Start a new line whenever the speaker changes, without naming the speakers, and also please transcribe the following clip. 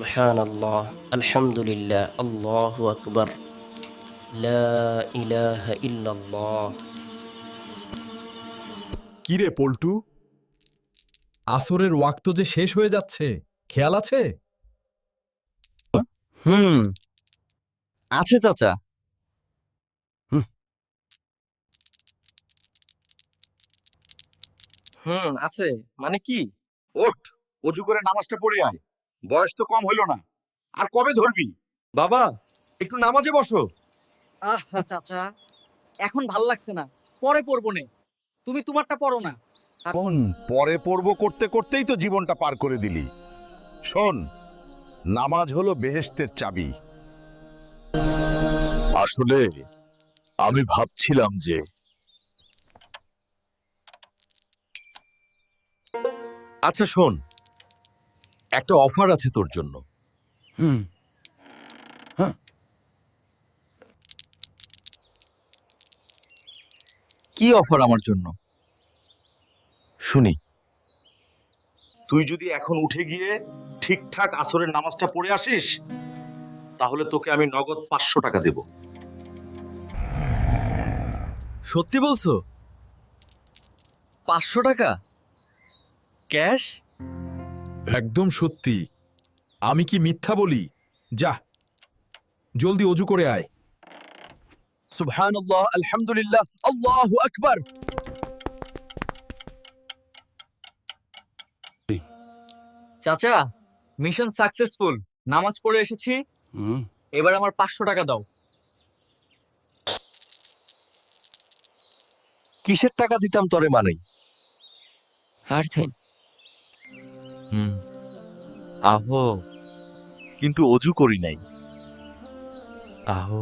সুবহানাল্লাহ, আলহামদুলিল্লাহ, আল্লাহু আকবার, লা ইলাহা ইল্লাল্লাহ।
কিরে পল্টু, আসরের ওয়াক্ত যে শেষ হয়ে যাচ্ছে, খেয়াল আছে?
হুম আছে চাচা। আছে মানে কি?
ওঠ, অজু করে নামাজটা পড়ে আয়। বয়স তো কম হইল না, আর কবে ধরবি?
বাবা
একটু নামাজে বসো।
আহা চাচা, এখন ভাল লাগছে না, পরে পড়বো নে। তুমি তোমারটা পড়ো না।
শোন, পরে পড়বো করতে করতেই তো জীবনটা পার করে দিলি। শোন, নামাজ হলো বেহেশতের চাবি।
আসলে আমি ভাবছিলাম যে আচ্ছা শোন, একটা অফার আছে তোর জন্য।
কি অফার আমার জন্য?
শুনি।
তুই যদি এখন উঠে গিয়ে ঠিকঠাক আসরের নামাজটা পড়ে আসিস, তাহলে তোকে আমি নগদ 500 টাকা দেব।
সত্যি বলছো? 500 টাকা ক্যাশ?
একদম সত্যি। আমি কি মিথ্যা বলি? যা, জলদি অজু করে আয়।
সুবহানাল্লাহ, আলহামদুলিল্লাহ, আল্লাহু আকবার।
চাচা, মিশন সাকসেসফুল। নামাজ পড়ে এসেছি, এবার আমার 500 টাকা দাও।
কিসের টাকা দিতাম তরে মানেই?
আর থেন
আহো, কিন্তু অজু করি নাই। আহো।